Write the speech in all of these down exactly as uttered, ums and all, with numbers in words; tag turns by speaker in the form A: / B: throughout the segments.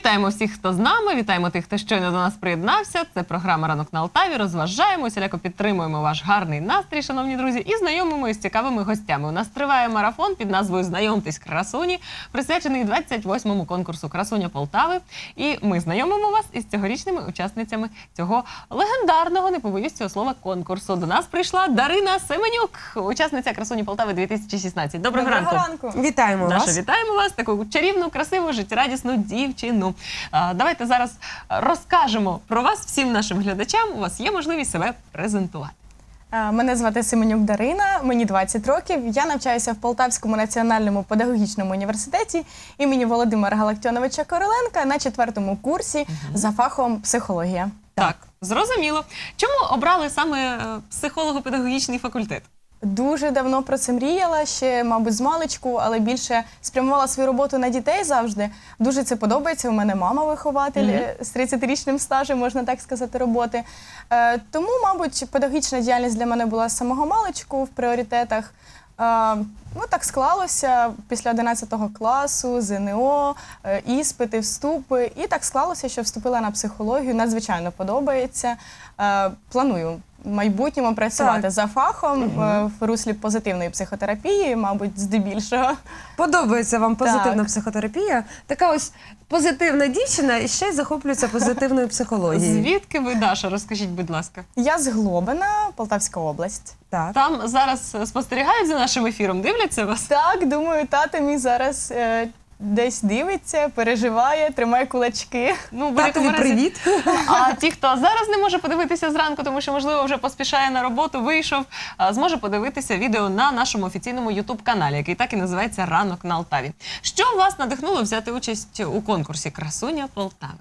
A: Вітаємо всіх, хто з нами, вітаємо тих, хто щойно до нас приєднався. Це програма «Ранок на Алтаві». Розважаємо, усіляко підтримуємо ваш гарний настрій, шановні друзі, і знайомимо із цікавими гостями. У нас триває марафон під назвою «Знайомтесь, красуні», присвячений двадцять восьмому конкурсу «Красуня Полтави». І ми знайомимо вас із цьогорічними учасницями цього легендарного, не побоюсь цього слова, конкурсу. До нас прийшла Дарина Семенюк, учасниця «Красуні Полтави дві тисячі шістнадцять». Доброго,
B: Доброго
A: ранку.
B: ранку. Вітаємо
A: Даша,
B: вас.
A: вітаємо вас, таку чарівну, красиву, життєрадісну дівчину. А, давайте зараз розкажемо про вас всім нашим глядачам. У вас є можливість себе презентувати.
C: Мене звати Семенюк Дарина, мені двадцять років. Я навчаюся в Полтавському національному педагогічному університеті імені Володимира Галактіоновича Короленка на четвертому курсі угу. за фахом психологія.
A: Так, так, зрозуміло. Чому обрали саме психолого-педагогічний факультет?
C: Дуже давно про це мріяла, ще, мабуть, з маличку, але більше спрямувала свою роботу на дітей завжди. Дуже це подобається. У мене мама вихователь mm-hmm. з тридцятирічним стажем, можна так сказати, роботи. Е, тому, мабуть, педагогічна діяльність для мене була з самого маличку в пріоритетах. Е, ну, так склалося після одинадцятого класу, ЗНО, е, іспити, вступи. І так склалося, що вступила на психологію. Надзвичайно подобається. Е, планую в майбутньому працювати так. за фахом угу. в руслі позитивної психотерапії, мабуть, здебільшого.
B: Подобається вам позитивна
C: так.
B: психотерапія? Така ось позитивна дівчина і ще й захоплюється позитивною психологією.
A: Звідки ви, Даша? Розкажіть, будь ласка.
C: Я з Глобина, Полтавська область.
B: Так.
A: Там зараз спостерігають за нашим ефіром, дивляться вас?
C: Так, думаю, тато мій зараз е, десь дивиться, переживає, тримає кулачки.
B: Ну, татові привіт.
A: А ті, хто зараз не може подивитися зранку, тому що, можливо, вже поспішає на роботу, вийшов, зможе подивитися відео на нашому офіційному ютуб-каналі, який так і називається «Ранок на Алтаві». Що вас надихнуло взяти участь у конкурсі «Красуня Полтави»?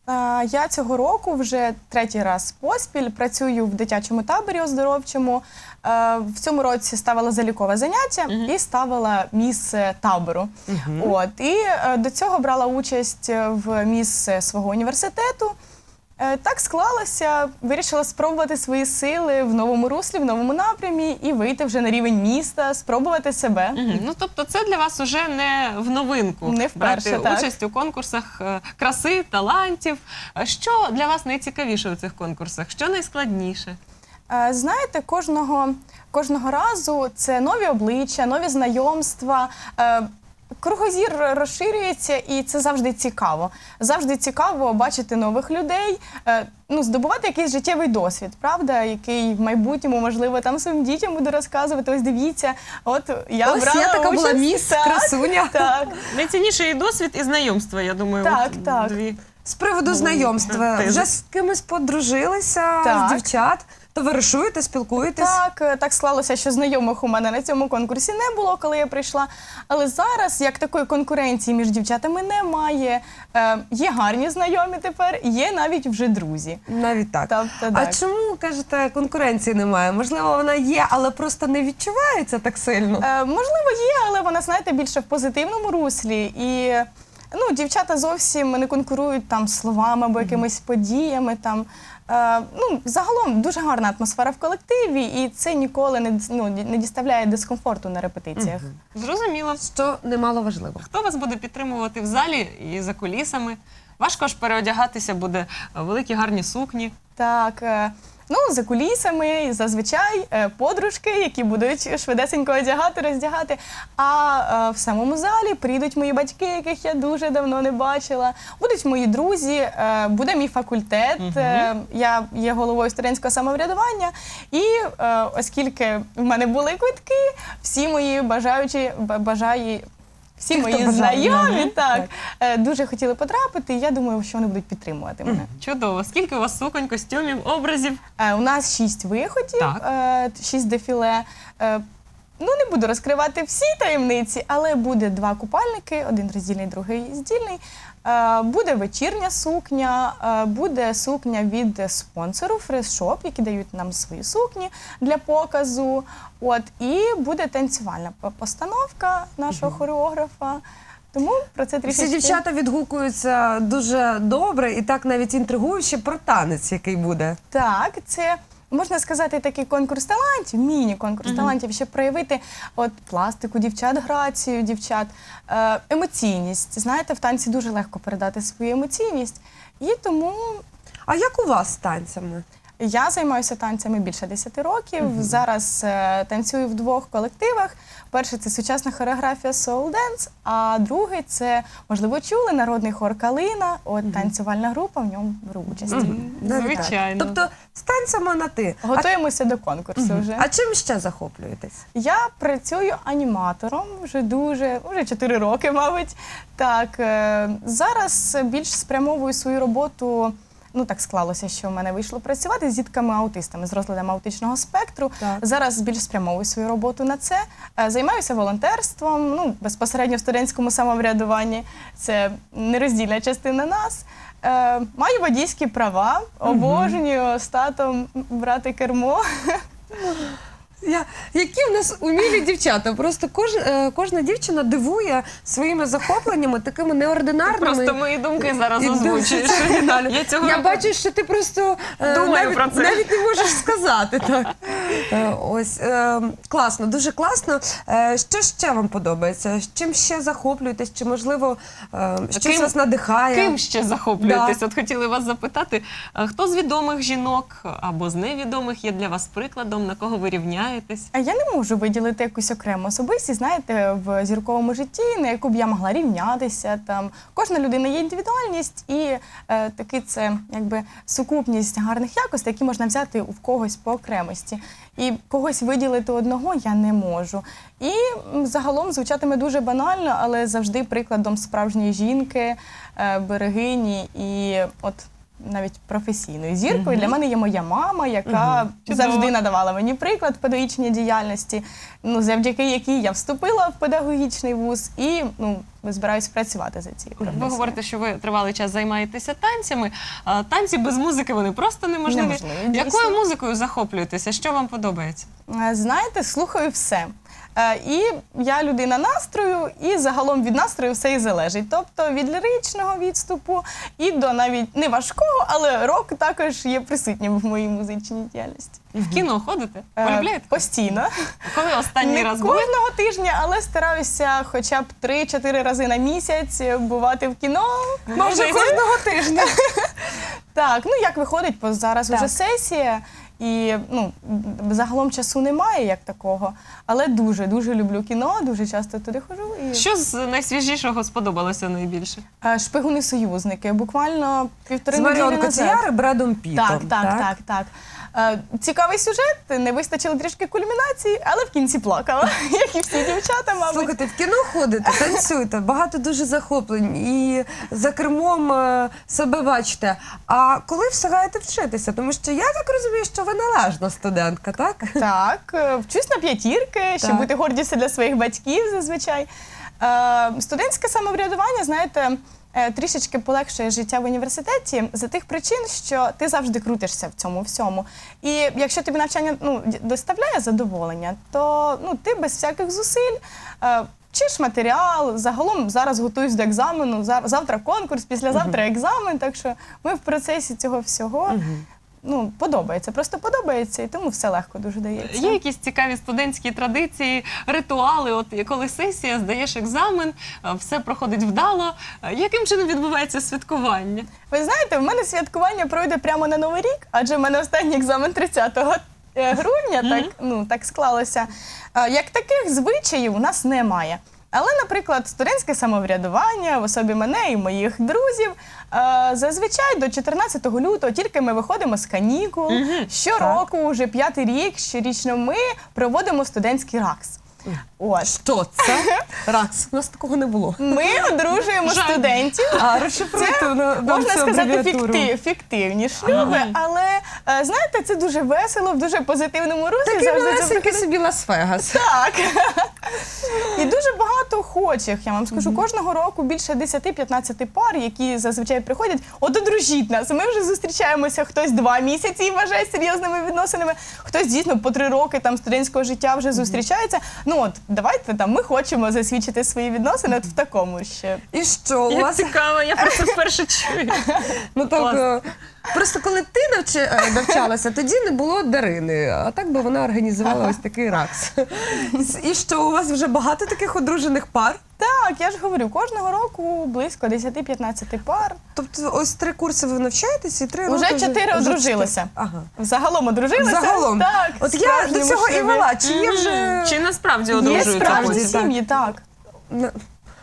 C: Я цього року вже третій раз поспіль працюю в дитячому таборі оздоровчому. В цьому році ставила залікове заняття uh-huh. і ставила міс табору. Uh-huh. От, і до цього брала участь в міс свого університету. Так склалося, вирішила спробувати свої сили в новому руслі, в новому напрямі і вийти вже на рівень міста, спробувати себе.
A: Угу. Ну, тобто це для вас уже не в новинку
C: не вперше,
A: брати
C: так.
A: участь у конкурсах краси, талантів. Що для вас найцікавіше у цих конкурсах? Що найскладніше?
C: Знаєте, кожного, кожного разу це нові обличчя, нові знайомства. Кругозір розширюється, і це завжди цікаво. Завжди цікаво бачити нових людей, ну, здобувати якийсь життєвий досвід, правда, який в майбутньому, можливо, там своїм дітям буду розказувати. Ось дивіться, от я
B: Ось
C: брала
B: я така
C: участь.
B: була міс,
C: так,
B: красуня.
C: Так.
A: Найцінніший досвід і знайомства, я думаю.
C: Так,
A: от
C: так.
A: Дві.
B: З приводу знайомства,
A: Тези.
B: вже з кимось подружилися,
C: Так.
B: з дівчат, товаришуєте, спілкуєтесь?
C: Так, так склалося, що знайомих у мене на цьому конкурсі не було, коли я прийшла. Але зараз, як такої конкуренції між дівчатами немає, е, є гарні знайомі тепер, є навіть вже друзі.
B: Навіть так.
C: Тобто,
B: а
C: так.
B: чому, кажете, конкуренції немає? Можливо, вона є, але просто не відчувається так сильно?
C: Е, можливо, є, але вона, знаєте, більше в позитивному руслі. І ну, дівчата зовсім не конкурують там словами або якимись подіями. Там. Е, ну, загалом дуже гарна атмосфера в колективі, і це ніколи не, ну, не діставляє дискомфорту на репетиціях.
A: Угу. Зрозуміло.
B: Що немало важливо.
A: Хто вас буде підтримувати в залі і за кулісами? Важко ж переодягатися буде, великі гарні сукні.
C: Так, е, ну, за кулісами зазвичай е, подружки, які будуть швидесенько одягати, роздягати. А е, в самому залі прийдуть мої батьки, яких я дуже давно не бачила. Будуть мої друзі, е, буде мій факультет. Угу. Е, я є головою студентського самоврядування. І е, оскільки в мене були квитки, всі мої бажаючі, бажають, всі
B: Ті,
C: мої знайомі так, так. дуже хотіли потрапити, і я думаю, що вони будуть підтримувати мене.
A: Чудово. Скільки у вас суконь, костюмів, образів?
C: У нас шість виходів,
A: так.
C: шість дефіле. Ну, не буду розкривати всі таємниці, але буде два купальники, один роздільний, другий здільний. Буде вечірня сукня, буде сукня від спонсору Фреш-Шоп, які дають нам свої сукні для показу. От, і буде танцювальна постановка нашого хореографа. Тому про це трішечки...
B: Всі дівчата відгукуються дуже добре і так навіть інтригуюче про танець, який буде.
C: Так, це можна сказати, такий конкурс талантів, міні-конкурс талантів, щоб проявити от пластику дівчат, грацію дівчат, е, емоційність. Знаєте, в танці дуже легко передати свою емоційність. І тому
B: А як у вас з танцями?
C: я займаюся танцями більше десяти років. Зараз е, танцюю в двох колективах. Перший – це сучасна хореографія Soul Dance, а другий – це, можливо, чули, народний хор «Калина». От танцювальна група в ньому беру участь.
B: Навіть так.
A: Звичайно.
B: Тобто з танцями на ти.
C: Готуємося до конкурсу вже.
B: А чим ще захоплюєтесь?
C: Я працюю аніматором вже дуже, вже чотири роки, мабуть. Так, е, зараз більш спрямовую свою роботу. Ну, так склалося, що в мене вийшло працювати з дітками-аутистами з розладом аутичного спектру.
B: Так.
C: Зараз більш спрямовую свою роботу на це. Е, Займаюся волонтерством, ну, безпосередньо в студентському самоврядуванні. Це нероздільна частина нас. Е, Маю водійські права, обожнюю з татом брати кермо.
B: Я, які в нас умілі дівчата. Просто кож, е, кожна дівчина дивує своїми захопленнями, такими неординарними.
A: Просто мої думки зараз
B: і
A: озвучуєш.
B: дуже оригінально.
A: Я цього
B: Я
A: року-
B: бачу, що ти просто е,
A: Думаю
B: навіть,
A: про це.
B: навіть не можеш сказати. Так. Е, ось, е, класно, дуже класно. Е, що ще вам подобається? Чим ще захоплюєтесь? Чи, можливо, е, щось
A: Ким-
B: вас надихає?
A: Ким ще захоплюєтесь?
B: Да.
A: От хотіли вас запитати, а хто з відомих жінок або з невідомих є для вас прикладом, на кого ви рівняєтесь?
C: А я не можу виділити якусь окрему особистість, знаєте, в зірковому житті, на яку б я могла рівнятися. Там кожна людина є індивідуальність, і е, таки це якби сукупність гарних якостей, які можна взяти у когось по окремості. І когось виділити одного я не можу. І м, загалом звучатиме дуже банально, але завжди прикладом справжньої жінки, е, берегині і от. Навіть професійною зіркою. Для мене є моя мама, яка
A: Чудово.
C: завжди надавала мені приклад педагогічній діяльності, ну, завдяки якій я вступила в педагогічний вуз і ну, збираюсь працювати за цією
A: Ви
C: професією.
A: говорите, що ви тривалий час займаєтеся танцями. А танці без музики вони просто неможливі.
C: Неможливі, дійсно.
A: Якою музикою захоплюєтеся? Що вам подобається?
C: Е, Знаєте, слухаю все. Е, І я людина настрою, і загалом від настрою все і залежить. Тобто від ліричного відступу і до навіть не важкого, але рок також є присутнім в моїй музичній діяльності.
A: В кіно ходите?
C: Е,
A: Полюбляєте?
C: Постійно.
A: Коли останній
C: Не
A: раз були?
C: кожного тижня, але стараюся хоча б три-чотири рази на місяць бувати в кіно.
B: Може, кожного тижня.
C: Так, ну як виходить, бо зараз
B: Так.
C: вже сесія, і ну, загалом часу немає як такого. Але дуже-дуже люблю кіно, дуже часто туди ходжу. І...
A: Що з найсвіжішого сподобалося найбільше?
C: Е, Шпигуни-союзники, буквально півтори
B: З
C: неділі
B: Маріон
C: назад.
B: Котіяр і Бредом Пітом.
C: Так, так, так, так. Е, Цікавий сюжет, не вистачило трішки кульмінації, але в кінці плакала, як і всі дівчата, мабуть.
B: Слухайте, в кіно ходите, танцюєте, багато дуже захоплень і за кермом е, себе бачите. А коли встигаєте вчитися? Тому що я так розумію, що ви належна студентка, так?
C: Так, е, вчусь на п'ятірки, щоб
B: Так.
C: бути гордістю для своїх батьків зазвичай. Е, Студентське самоврядування, знаєте, е, трішечки полегшує життя в університеті за тих причин, що ти завжди крутишся в цьому всьому. І якщо тобі навчання ну, д- доставляє задоволення, то ну, ти без всяких зусиль е, вчиш матеріал, загалом зараз готуюсь до екзамену, зав- завтра конкурс, післязавтра екзамен, так що ми в процесі цього всього. Ну, подобається, просто подобається, і тому все легко дуже дається.
A: Є якісь цікаві студентські традиції, ритуали? От коли сесія, здаєш екзамен, а, все проходить вдало. А яким чином відбувається святкування?
C: Ви знаєте, в мене святкування пройде прямо на Новий рік, адже в мене останній екзамен тридцятого грудня, так, ну, так склалося. Е, Як таких звичаїв у нас немає. Але, наприклад, студентське самоврядування в особі мене і моїх друзів е, зазвичай до чотирнадцятого лютого тільки ми виходимо з канікул. Щороку, вже п'ятий рік, щорічно ми проводимо студентський ракс. Ось.
B: Що це? Ракс. У нас такого не було.
C: Ми одружуємо
A: Жаль.
C: студентів.
B: А, розшифруйте на- нам
C: Можна
B: цю
C: сказати,
B: абревіатуру.
C: фіктив, фіктивні шлюби, але е, знаєте, це дуже весело, в дуже позитивному руслі.
B: Такий
C: завжди це
B: малесенький
C: проходить.
B: собі Лас-Вегас.
C: Так. І дуже багато охочих, я вам скажу, кожного року більше десять-п'ятнадцять пар, які зазвичай приходять, от одружіть нас. Ми вже зустрічаємося хтось два місяці і вважає серйозними відносинами, хтось дійсно по три роки там студентського життя вже зустрічається. Ну от, давайте там, ми хочемо засвідчити свої відносини от в такому ще.
B: І що? У
A: Як
B: вас
A: цікаво, я про це вперше чую.
B: ну, так,
A: Клас.
B: е, Просто коли ти навчи, е, навчалася, тоді не було Дарини, а так би вона організувала ось такий ракс. І що, у вас вже багато таких одружених пар?
C: Так, я ж говорю, кожного року близько десять-п'ятнадцять пар.
B: Тобто ось три курси ви навчаєтесь і три роки
C: Уже чотири
B: вже
C: одружилися.
B: чотири. Ага.
C: Загалом одружилися.
B: Загалом.
C: Так,
B: От я до
C: справжні
B: цього і
C: шлюби.
B: вела. Чи є вже...
A: Чи насправді
C: Є
A: одружуються
C: справжні
A: потім?
B: потім?
C: сім'ї, так.
B: На-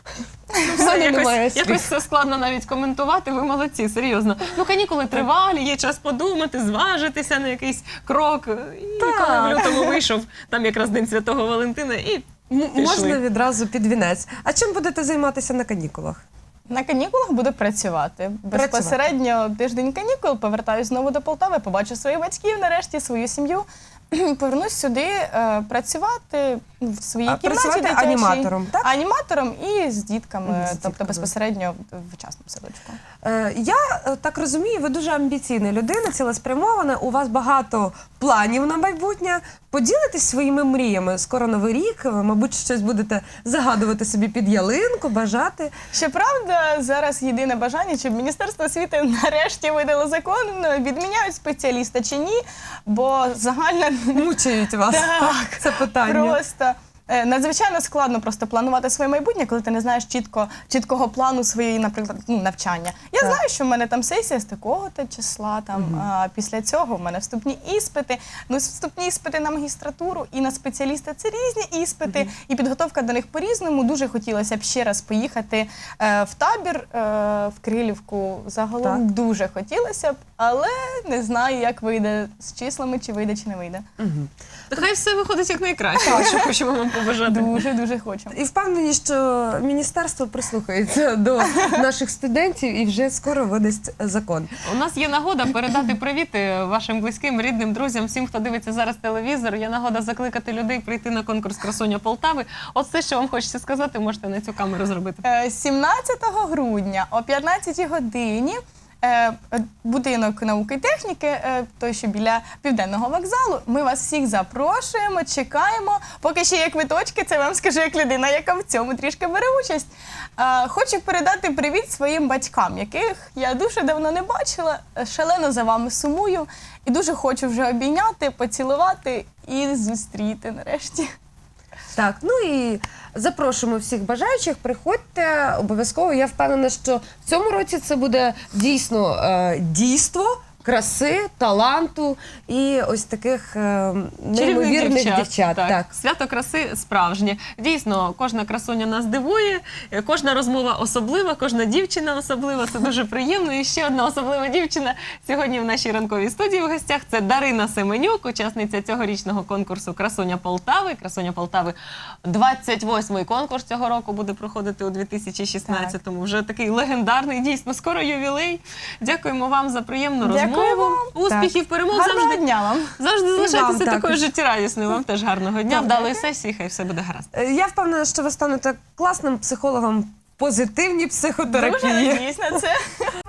A: Все,
B: мене немає
A: якось,
B: слів.
A: якось це складно навіть коментувати. Ви молодці, серйозно. Ну, канікули тривалі, є час подумати, зважитися на якийсь крок. І
B: Так.
A: коли в лютому вийшов, там якраз День Святого Валентина, і
B: М-
A: пішли.
B: Можна відразу під вінець. А чим будете займатися на канікулах?
C: На канікулах буду працювати. Безпосередньо тиждень канікул, повертаюсь знову до Полтави, побачу своїх батьків, нарешті свою сім'ю. Повернусь сюди е, працювати в своїй
B: А,
C: кімнаті
B: працювати
C: дитячій.
B: аніматором, так?
C: Аніматором і з дітками,
B: Мгм, з
C: тобто
B: дітками.
C: безпосередньо в частному садочку.
B: Е, Я е, так розумію, ви дуже амбіційна людина, цілеспрямована, у вас багато планів на майбутнє. Поділитесь своїми мріями. Скоро Новий рік, ви, мабуть, щось будете загадувати собі під ялинку, бажати.
C: Щоправда, зараз єдине бажання, щоб Міністерство освіти нарешті видало закон, відміняють спеціаліста чи ні, бо загальна
B: Мучають вас
C: Так.
B: це питання.
C: просто е, надзвичайно складно просто планувати своє майбутнє, коли ти не знаєш чітко, чіткого плану своєї, наприклад, ну, навчання. Я
B: Так.
C: знаю, що в мене там сесія з такого-то числа, там, а після цього в мене вступні іспити. Ну, вступні іспити на магістратуру і на спеціаліста – це різні іспити, і підготовка до них по-різному. Дуже хотілося б ще раз поїхати е, в табір, е, в Крилівку. Загалом
B: Так.
C: дуже хотілося б, але не знаю, як вийде з числами, чи вийде, чи не вийде.
B: Мгм.
A: Хай все виходить як найкраще, що хочемо вам побажати.
C: Дуже-дуже хочу.
B: І впевнені, що міністерство прислухається до наших студентів і вже скоро видасть закон.
A: У нас є нагода передати привіти вашим близьким, рідним, друзям, всім, хто дивиться зараз телевізор. Є нагода закликати людей прийти на конкурс «Красуня Полтави». От все, що вам хочеться сказати, можете на цю камеру зробити.
C: Е, сімнадцятого грудня о п'ятнадцятій годині е, будинок науки і техніки, е, той, що біля Південного вокзалу. Ми вас всіх запрошуємо, чекаємо. Поки ще є квиточки, це вам скажу як людина, яка в цьому трішки бере участь. Е, Хочу передати привіт своїм батькам, яких я дуже давно не бачила, е, шалено за вами сумую і дуже хочу вже обійняти, поцілувати і зустріти нарешті.
B: Так, ну і запрошуємо всіх бажаючих, приходьте обов'язково. Я впевнена, що в цьому році це буде дійсно е, дійство краси, таланту і ось таких е, неймовірних дівчат.
A: Так.
B: Так.
A: Свято краси справжнє. Дійсно, кожна красуня нас дивує, е, кожна розмова особлива, кожна дівчина особлива. Це дуже приємно. І ще одна особлива дівчина сьогодні в нашій ранковій студії в гостях. Це Дарина Семенюк, учасниця цьогорічного конкурсу «Красуня Полтави». «Красуня Полтави» двадцять восьмий конкурс цього року буде проходити у дві тисячі шістнадцятому. Вже такий легендарний, дійсно, скоро ювілей. Дякуємо вам за приємну розмову.
C: Дякую вам.
A: Успіхів, перемог
C: Гарного
A: завжди.
C: дня вам!
A: Завжди
B: вам
A: залишайтеся
B: також.
A: такою життєрадісною. Вам теж гарного дня,
B: Так.
A: вдалої сесії, хай все буде гаразд.
B: Е, Я впевнена, що ви станете класним психологом в позитивній психотерапії.
C: Дуже надіюсь на це.